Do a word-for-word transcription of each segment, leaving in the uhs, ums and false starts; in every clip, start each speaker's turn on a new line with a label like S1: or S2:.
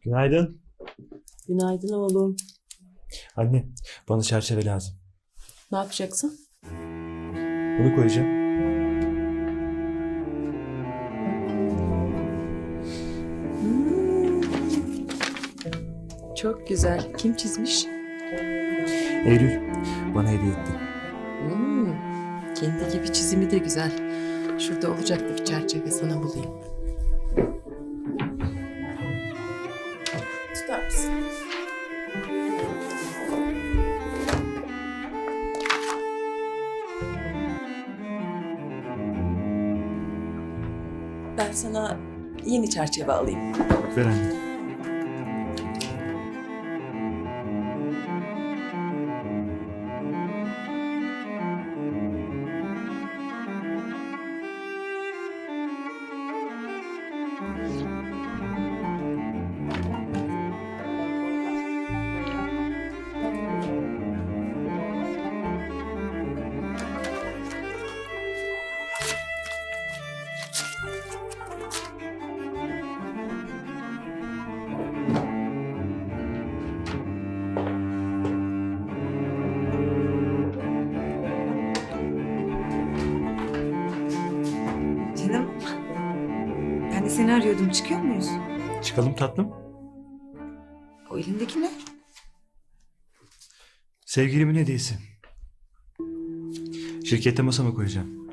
S1: Günaydın.
S2: Günaydın oğlum.
S1: Anne, bana çerçeve lazım.
S2: Ne yapacaksın?
S1: Bunu koyacağım.
S2: Hmm. Çok güzel. Kim çizmiş?
S1: Eylül bana hediye etti.
S2: Hmm. Kendi gibi çizimi de güzel. Şurada olacaktı bir çerçeve, sana bulayım. Tutar mısın? Ben sana yeni çerçeve alayım.
S1: Ver anne.
S3: Canım, ben de seni arıyordum. Çıkıyor muyuz?
S1: Çıkalım tatlım.
S3: O elindeki ne?
S1: Sevgilimin hediyesi. Şirkette masama koyacağım.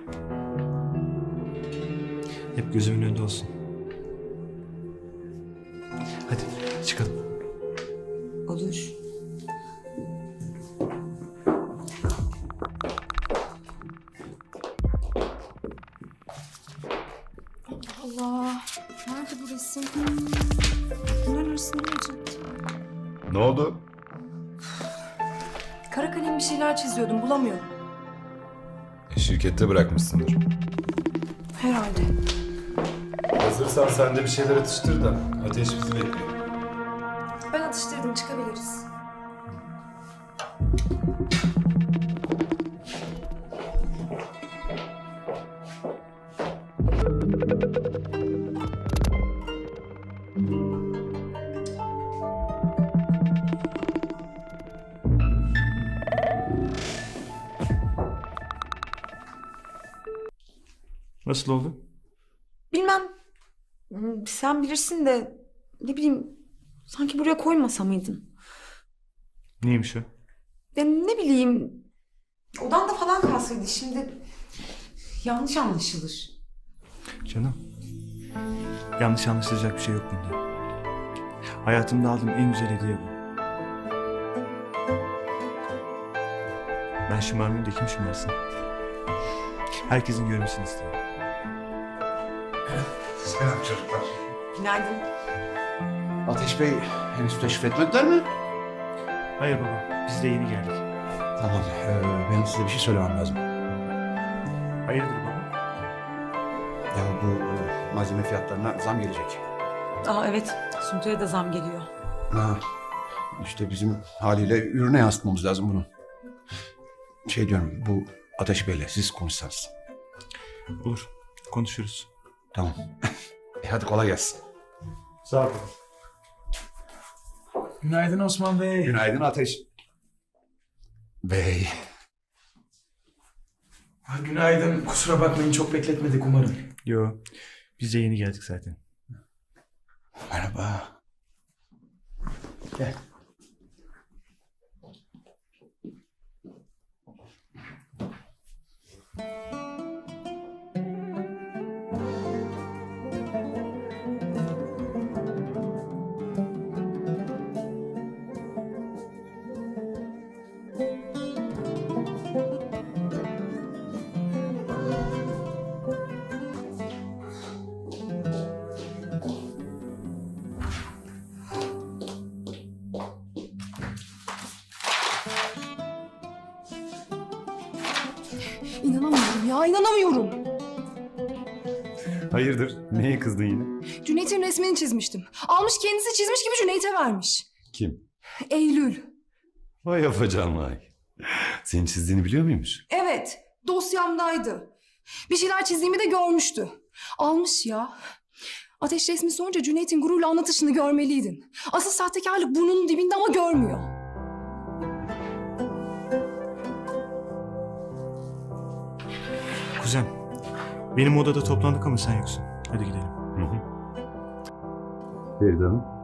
S1: Hep gözümün önünde olsun. Hadi çıkalım.
S3: Olur. Allah, nerede bu resim? Bunların arasında ne olacak?
S4: Ne oldu?
S3: Kara kalem bir şeyler çiziyordum, bulamıyorum.
S4: E, şirkette bırakmışsındır.
S3: Herhalde.
S4: Hazırsan sen de bir şeyler atıştır da Ateş bizi bekliyor.
S3: Ben atıştırdım, çıkabiliriz.
S1: Nasıl oldu?
S3: Bilmem. Hmm, sen bilirsin de ne bileyim, sanki buraya koymasa mıydın?
S1: Neymiş o?
S3: Ya ne bileyim, odanda falan kalsaydı şimdi yanlış anlaşılır.
S1: Canım. Yanlış anlaşılacak bir şey yok bunda. Hayatımda aldığım en güzel hediye bu. Ben şımarmayayım da kim şımarsın? Herkesin görmesini istiyorum.
S5: Selam çocuklar.
S3: Günaydın.
S5: Ateş Bey henüz teşrif etmediler mi?
S1: Hayır baba, biz de yeni geldik.
S5: Tamam, ee, benim size bir şey söylemem lazım.
S1: Hayırdır baba?
S5: Ya bu e, malzeme fiyatlarına zam gelecek.
S3: Aa evet, Suntu'ya da zam geliyor.
S5: Ha, işte bizim haliyle ürüne yansıtmamız lazım bunu. Şey diyorum, bu Ateş Bey'le siz konuşsanız.
S1: Olur, konuşuruz.
S5: Tamam. e hadi kolay gelsin.
S1: Sağ ol.
S6: Günaydın Osman Bey.
S5: Günaydın Ateş Bey.
S6: Ha, günaydın. Kusura bakmayın, çok bekletmedik umarım.
S1: Yo, biz de yeni geldik zaten.
S5: Merhaba.
S6: Gel.
S7: İnanamıyorum ya, inanamıyorum.
S4: Hayırdır? Neye kızdın yine?
S7: Cüneyt'in resmini çizmiştim. Almış kendisi çizmiş gibi Cüneyt'e vermiş.
S4: Kim?
S7: Eylül.
S4: Vay afacan vay. Senin çizdiğini biliyor muymuş?
S7: Evet, dosyamdaydı. Bir şeyler çizdiğimi de görmüştü. Almış ya. Ateş resmi sorunca Cüneyt'in gururla anlatışını görmeliydin. Asıl sahtekarlık burnunun dibinde ama görmüyor.
S1: Kuzen, benim odada toplandık ama sen yoksun. Hadi gidelim.
S4: Feride Hanım.